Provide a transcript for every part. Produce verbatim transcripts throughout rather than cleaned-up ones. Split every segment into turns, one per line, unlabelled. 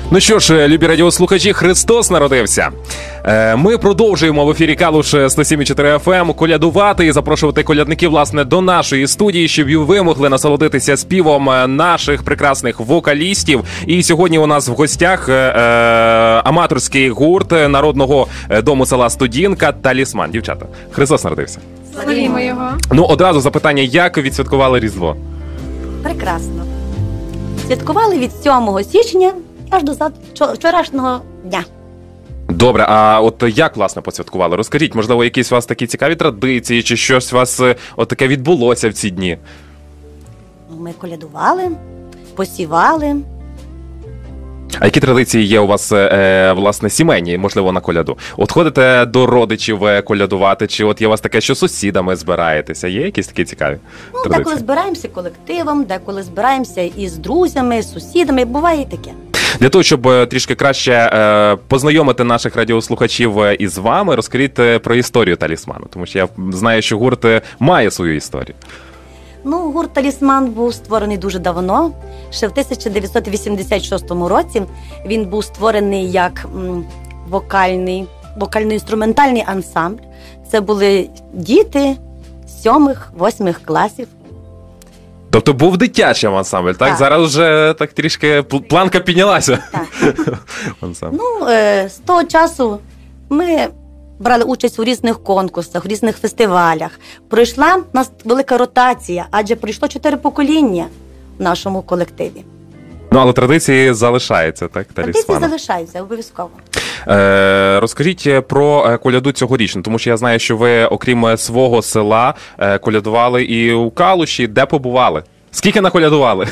Ну що ж, любі радіослухачі, Христос народився. Ми продовжуємо в ефірі Калуш сто сім і чотири еф ем колядувати і запрошувати колядників, власне, до нашої студії, щоб і ви могли насолодитися співом наших прекрасних вокалістів. І сьогодні у нас в гостях аматорський гурт Народного дому села Студінка «Талісман». Дівчата, Христос народився.
Славімо його.
Ну, одразу запитання, як відсвяткували Різдво?
Прекрасно. Святкували від сьомого січня аж до вчорашнього дня.
Добре, а от як, власне, посвяткували? Розкажіть, можливо, якісь у вас такі цікаві традиції, чи щось у вас от таке відбулося в ці дні?
Ми колядували, посівали.
А які традиції є у вас, е, власне, сімейні, можливо, на коляду? От ходите до родичів колядувати, чи от є у вас таке, що з сусідами збираєтеся? Є якісь такі цікаві
ну,
традиції?
Деколи збираємося колективом, деколи збираємося із друзями, з сусідами, буває і таке.
Для того, щоб трішки краще е, познайомити наших радіослухачів із вами, розкажіть про історію «Талісману», тому що я знаю, що гурт має свою історію.
Ну, гурт «Талісман» був створений дуже давно. Ще в тисяча дев'ятсот вісімдесят шостому році він був створений як м, вокальний, вокально-інструментальний ансамбль. Це були діти сьомих, восьмих класів.
Тобто був дитячий ансамбль, так?
Так.
Зараз вже так трішки планка піднялася.
Так. Ну, е, з того часу ми брали участь у різних конкурсах, у різних фестивалях. Пройшла у нас велика ротація, адже пройшло чотири покоління в нашому колективі.
Ну, але традиції залишаються, так?
Традиції
«Талісману».
залишаються, обов'язково.
Е, розкажіть про коляду цьогорічну, тому що я знаю, що ви, окрім свого села, колядували і у Калуші. Де побували? Скільки наколядували?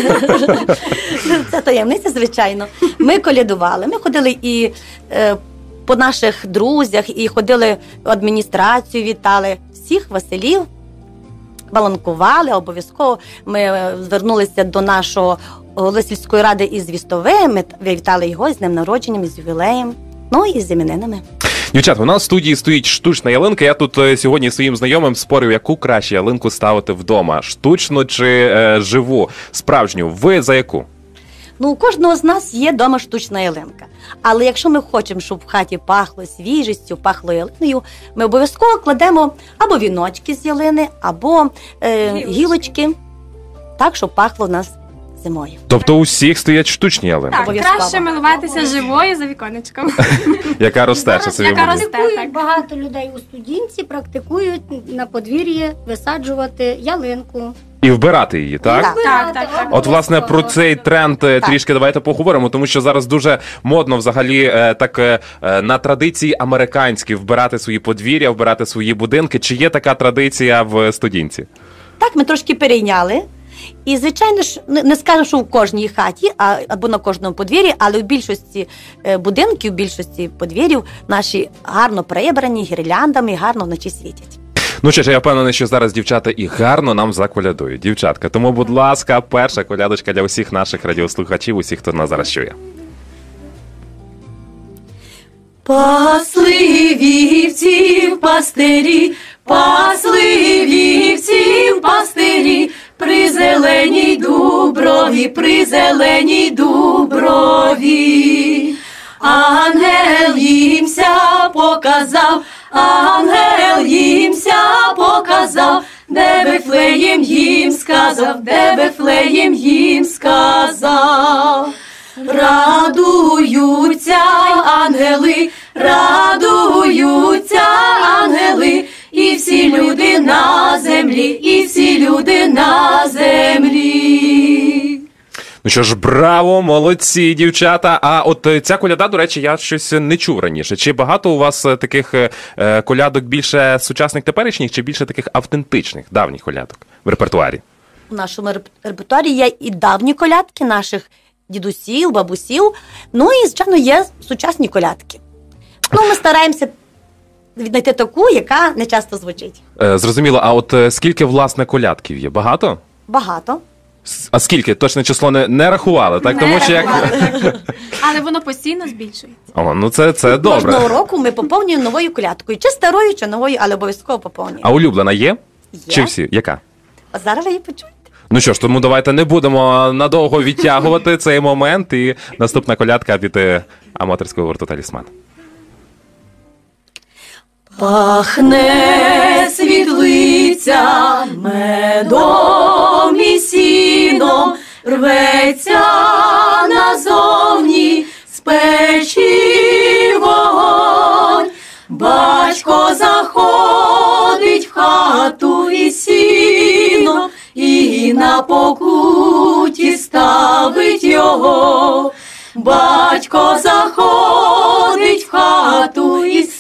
Це таємниця, звичайно. Ми колядували, ми ходили і е, по наших друзях, і ходили в адміністрацію, вітали всіх Василів, баланкували, обов'язково. Ми звернулися до нашого голови сільської ради із Вістовим, ми вітали його з днем народженням, із ювілеєм, ну і з іменинами.
Дівчат, у нас в студії стоїть штучна ялинка. Я тут сьогодні своїм знайомим спорив, яку краще ялинку ставити вдома. Штучну чи е, живу, справжню. Ви за яку?
Ну, у кожного з нас є вдома штучна ялинка. Але якщо ми хочемо, щоб в хаті пахло свіжістю, пахло ялиною, ми обов'язково кладемо або віночки з ялини, або е, гілочки, так, щоб пахло в нас зимою.
Тобто у всіх стоять штучні ялинки?
Так, краще милуватися живою за віконечком.
Яка росте, що собі
Яка
буде.
росте,
Практикують багато людей у Студінці, практикують на подвір'ї висаджувати ялинку.
І вбирати її, так?
Так.
Так, так, так.
От, власне, про цей тренд так. трішки давайте поговоримо, тому що зараз дуже модно взагалі так на традиції американські вбирати свої подвір'я, вбирати свої будинки. Чи є така традиція в Студінці?
Так, ми трошки перейняли. І, звичайно ж, не скажу, що в кожній хаті, а, або на кожному подвір'ї, але в більшості будинків, в більшості подвір'їв наші гарно прибрані, гірляндами, гарно вночі світять.
Ну що ж, я впевнений, що зараз дівчата і гарно нам заколядують. Дівчатка, тому, будь ласка, перша колядочка для усіх наших радіослухачів, усіх, хто нас зараз чує.
Пасли вівців пастирі, пасли вівців пастирі, при зеленій дуброві, при зеленій дуброві. Ангел їмся показав, ангел їмся показав, де Вифлеєм їм сказав, де Вифлеєм їм сказав. Радуються ангели, радуються ангели, і всі люди на землі, і всі люди на землі.
Ну що ж, браво, молодці, дівчата. А от ця коляда, до речі, я щось не чув раніше. Чи багато у вас таких е, колядок більше сучасних теперішніх, чи більше таких автентичних, давніх колядок в репертуарі?
У нашому репертуарі є і давні колядки наших дідусів, бабусів, ну і, звичайно, є сучасні колядки. Ну, ми стараємося знайти таку, яка не часто звучить.
Е, зрозуміло, а от скільки, власне, колядків є? Багато?
Багато.
А скільки? Точне число не, не рахували, так?
Не
Тому що як...
Але воно постійно збільшується.
О, ну це, це добре.
Кожного року ми поповнюємо новою колядкою. Чи старою, чи новою, але обов'язково поповнюємо.
А улюблена є?
Є.
Чи всі? Яка?
А зараз ви її почуєте.
Ну що ж, тому давайте не будемо надовго відтягувати цей момент. І наступна колядка від е, аматорського гурту «Талісман».
Пахне світлиця медом і сіном, рветься назовні з печі вогонь. Батько заходить в хату із сіном і на покуті ставить його. Батько заходить в хату із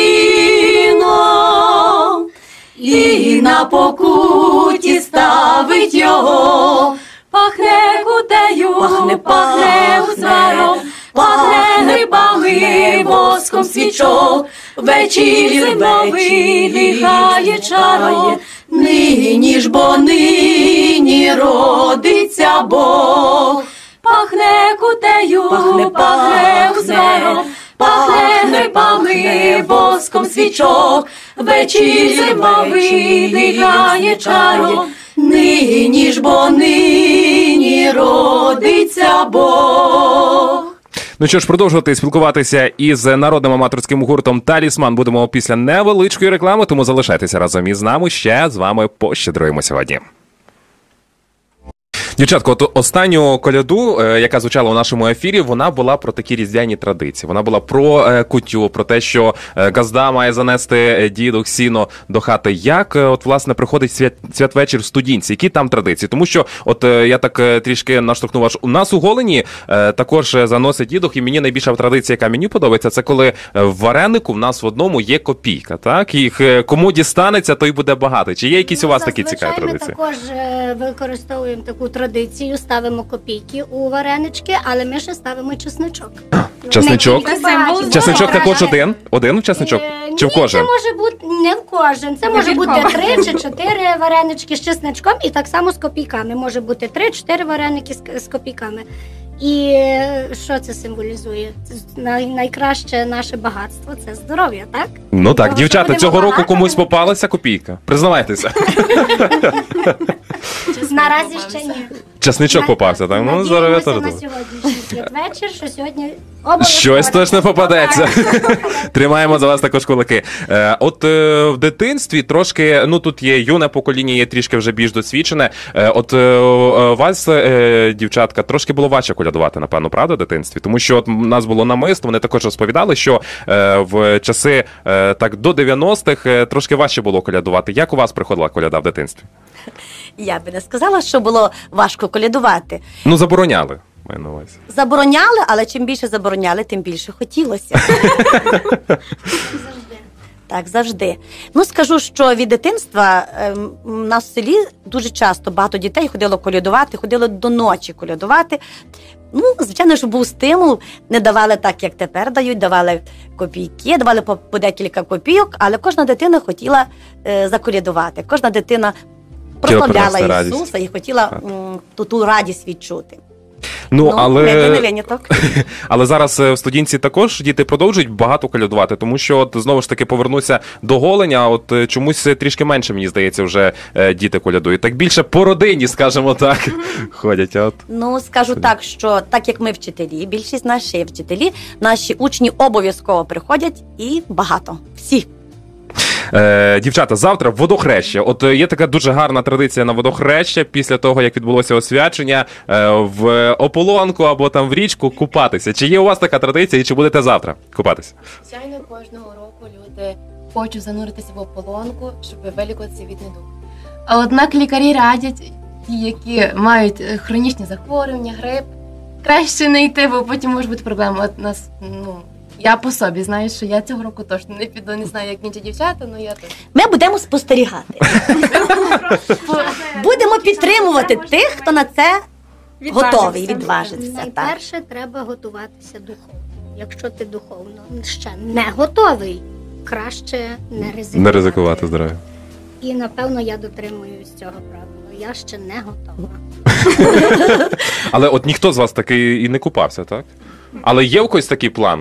сіном і на покуті ставить його. Пахне кутею, пахне, пахне узваром, пахне грибами, воском свічок. Вечір зимовий дихає чаром, нині ж бо нині родиться Бог. Пахне кутею, пахне, пахне узваром, пахне грибами, воском свічок. Вечір зимовий дихає чаром, нині ж бо нині родиться Бог.
Ну що ж, продовжувати спілкуватися із народним аматорським гуртом «Талісман» будемо після невеличкої реклами, тому залишайтеся разом із нами, ще з вами пощедруємо сьогодні. Дівчатко, от останню коляду, е, яка звучала у нашому ефірі, вона була про такі різдвяні традиції. Вона була про е, кутю, про те, що е, газда має занести дідух сіно до хати. Як, е, от, власне, приходить свят, святвечір в Студінці? Які там традиції? Тому що, от, е, я так е, трішки наштовхнув, аж у нас у Голені е, також заносить дідух, і мені найбільша традиція, яка мені подобається, це коли в варенику в нас в одному є копійка, так? І е, кому дістанеться, той буде багатий. Чи є якісь у вас такі цікаві традиції?
Ми також е, використовуємо таку традицію. Традицію ставимо копійки у варенички, але ми ще ставимо чесничок.
Чесничок?
Символ
Чесничок
здоров'я.
також один? Один чесничок?
Е,
Чи в
ні,
кожен?
це може бути не в кожен. Це може бути
Вибірково.
три чи чотири варенички з чесничком і так само з копійками. Може бути три-чотири вареники з, з копійками. І е, що це символізує? Це най, найкраще наше багатство – це здоров'я, так?
Ну так,
Тому що
дівчата,
будемо
цього року
багато,
комусь
будемо-
попалася копійка? Признавайтеся.
Наразі ще ні.
Чесничок попався, так? Ну, здоров'я теж
на
добре.
сьогоднішній святвечір, що сьогодні обов'язково.
Щось точно попадеться. Тримаємо за вас також кулаки. Е, От е, в дитинстві трошки, ну тут є юне покоління, є трішки вже більш досвідчене. Е, От е, е, вас, е, дівчатка, трошки було важче колядувати, напевно, правда, в дитинстві? Тому що от у нас було намисто, вони також розповідали, що е, в часи е, так до дев'яностих е, трошки важче було колядувати. Як у вас приходила коляда в дитинстві?
Я би не сказала, що було важко колядувати.
Ну, забороняли, маю на увазі.
Забороняли, але чим більше забороняли, тим більше хотілося. Так, завжди. Ну, скажу, що від дитинства ем, у нас в селі дуже часто багато дітей ходило колядувати, ходило до ночі колядувати. Ну, звичайно, що був стимул, не давали так, як тепер дають, давали копійки, давали по, по декілька копійок, але кожна дитина хотіла е, заколядувати. Кожна дитина прославляла
принести радість.
Ісуса і хотіла м, ту, ту радість відчути.
Ну,
Ну,
але...
не, не виняток.
Але зараз е, в Студінці також діти продовжують багато колядувати, тому що от знову ж таки повернуся до Голеня, от е, чомусь трішки менше, мені здається, вже е, діти колядують. Так більше по родині, скажімо так, ходять. А от...
Ну, скажу так, що так як ми вчителі, більшість наші вчителі, наші учні обов'язково приходять і багато. Всі.
Е, дівчата, завтра водохреща. От е, є така дуже гарна традиція на водохреща, після того, як відбулося освячення, е, в ополонку або там в річку купатися. Чи є у вас така традиція і чи будете завтра купатися?
Звичайно, кожного року люди хочуть зануритися в ополонку, щоб вилікуватися від недуг. А однак лікарі радять, ті, які мають е, хронічні захворювання, грип, краще не йти, бо потім може бути проблема. От нас, ну, я по собі знаю, що я цього року точно не піду, не знаю, як інші дівчата, але я теж.
Ми будемо спостерігати. Будемо підтримувати тих, хто на це готовий, відважиться. Так.
Найперше треба готуватися духовно. Якщо ти духовно ще не готовий, краще не ризикувати.
Не ризикувати здоров'я.
І напевно я дотримуюсь цього правила. Я ще не готова.
Але от ніхто з вас таки і не купався, так? Але є у когось такі плани?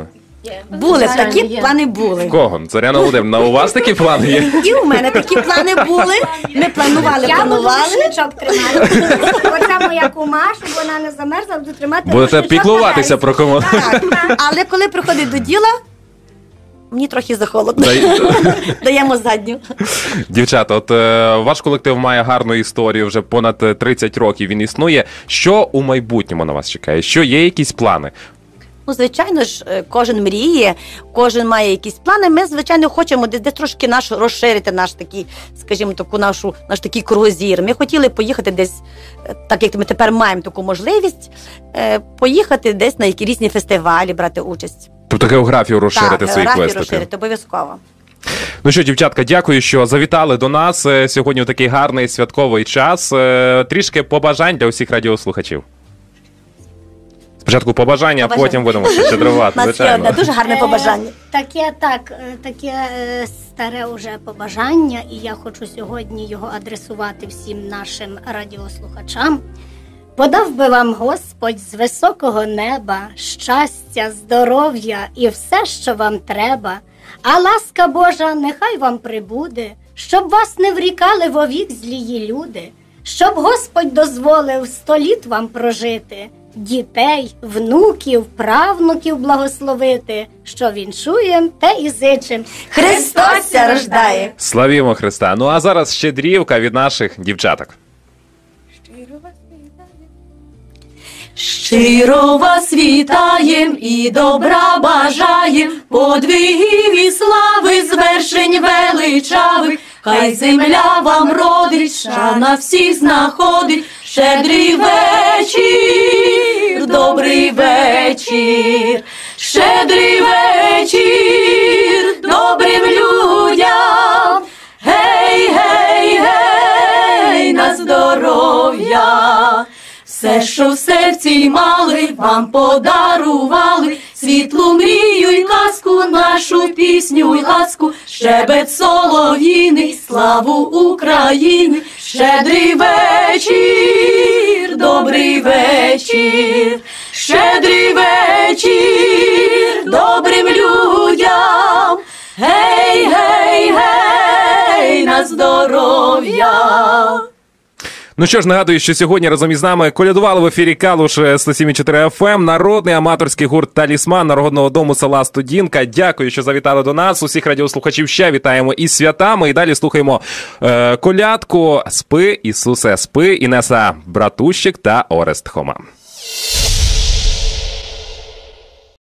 Були,
Звичайно,
такі
є.
плани були.
В кого? Зоряна Володимирівна, у вас такі плани є?
І у мене такі плани були. Ми планували,
Я буду
планували.
рушничок тримати. Оця моя кума, щоб вона не замерзла, буду тримати
Будете
рушничок
піклуватися
на
про кому.
Так. Але коли приходить до діла, мені трохи захолодно.
Дай-
Даємо задню.
Дівчата, от е, ваш колектив має гарну історію, вже понад тридцять років він існує. Що у майбутньому на вас чекає? Що є якісь плани?
Ну, звичайно ж, е, кожен мріє, кожен має якісь плани. Ми, звичайно, хочемо десь, десь трошки наш розширити наш такий, скажімо, таку нашу наш такий кругозір. Ми хотіли поїхати десь, е, так як ми тепер маємо таку можливість, е, поїхати десь на які різні фестивалі, брати участь.
Тобто географію розширити
так,
своїх
географію
виступів.
розширити, обов'язково.
Ну що, дівчатка, дякую, що завітали до нас е, сьогодні в такий гарний святковий час. Е, Трішки побажань для усіх радіослухачів. Спочатку побажання, а
Побажання.
потім будемо ще щедрувати,
У нас є
звичайно.
одне дуже гарне
Е,
побажання.
Таке, так, е, таке е, старе уже побажання, і я хочу сьогодні його адресувати всім нашим радіослухачам. Подав би вам Господь з високого неба щастя, здоров'я і все, що вам треба, а ласка Божа нехай вам прибуде, щоб вас не врікали вовік злії люди, щоб Господь дозволив сто літ вам прожити, дітей, внуків, правнуків благословити, що віншуєм, те і зичим.
Христос ся рождає!
Славімо Христа. Ну а зараз щедрівка від наших дівчаток.
Щиро вас вітаєм і добра бажаєм, подвигів і слави, звершень величавих, хай земля вам родить, шана всіх знаходить, щедрий вечір, добрий вечір, щедрий вечір, добрим людям, гей, гей, гей, на здоров'я. Все, що в серці мали, вам подарували, світлу мрію й казку, нашу пісню й ласку, щебет солов'їний, славу України, щедрий вечір, добрий вечір, щедрий вечір, добрим людям, гей, гей, гей, на здоров'я.
Ну що ж, нагадую, що сьогодні разом із нами колядували в ефірі Калуш сто сім і чотири еф ем, народний аматорський гурт «Талісман» народного дому села Студінка. Дякую, що завітали до нас. Усіх радіослухачів ще вітаємо із святами. І далі слухаємо е, колядку «Спи, Ісусе, спи» Інеса Братущик та Орест Хома.